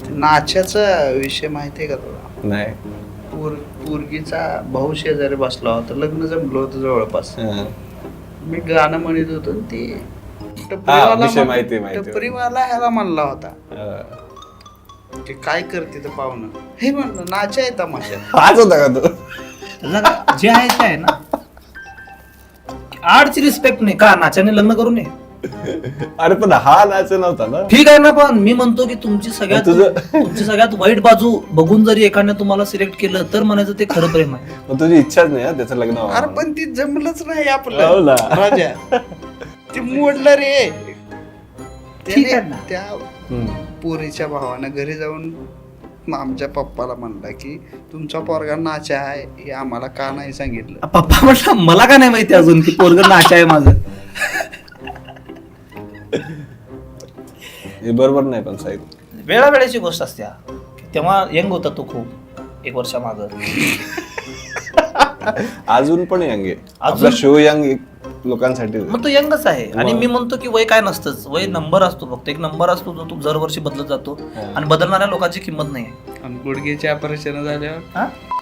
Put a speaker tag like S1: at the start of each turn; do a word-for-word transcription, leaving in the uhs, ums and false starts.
S1: नाच्याचा विषय माहिती आहे का तुला?
S2: नाही.
S1: पोर पोरगीचा भाऊ शेजारी बसला होता, लग्न जमलं होतं जवळपास.
S2: हा.
S1: मी गाणं म्हणत होतो आणि ती
S2: हा,
S1: टपरीवाला
S2: विषय
S1: म्हण-
S2: माहिती माहिती
S1: टपरीवाला ह्याला म्हणला होता
S2: हा.
S1: की काय करते तर पाहुणं, हे म्हणलं नाचा आहे तमाशा.
S2: हाच होता का तो?
S3: त्याला जे आहे ते आहे ना. आर्टची रिस्पेक्ट नाही का नाच्याने लग्न करू नये.
S2: अरे पण हा नाच नव्हता ना.
S3: ठीक आहे ना, पण मी म्हणतो की तुमची सगळ्यात
S2: तुझं-
S3: तुमची सगळ्यात वाईट बाजू बघून जरी एकाने तुम्हाला सिलेक्ट केलं तर म्हणायचं ते खरं प्रेम आहे.
S2: मग तुझी इच्छाच नाही हा त्याचं लग्न व्हावं.
S1: अरे पण ती जमलंच नाही
S2: हो
S1: आपलं
S2: ना.
S1: राजा, ती मोडलं रे.
S3: ठीक आहे
S1: त्याने
S3: ना.
S1: त्या
S2: हम्म.
S1: पोरीच्या भावानं घरी जाऊन आमच्या पप्पाला म्हणला की तुमचा पोरगा नाचा आहे, हे आम्हाला का नाही सांगितलं.
S3: पप्पा म्हटलं मला का नाही माहिती अजून की पोरग नाच आहे माझं.
S2: हे बरोबर नाही पण साहेब.
S3: वेळावेळेची गोष्ट असते हा. तेव्हा यंग होता तो खूप, एक वर्षा माग.
S2: अजून पण यंग आहे आपला
S3: अजून-
S2: शो यंग लोकांसाठी.
S3: मग तो यंगच आहे. आणि मी म्हणतो की वय काय नसतंच, वय नंबर असतो, फक्त एक नंबर असतो जो तू दरवर्षी बदलत जातो आणि बदलणाऱ्या लोकांची किंमत नाही आहे.
S1: आणि गुडघेचे ऑपरेशन झाल्यावर
S3: हा?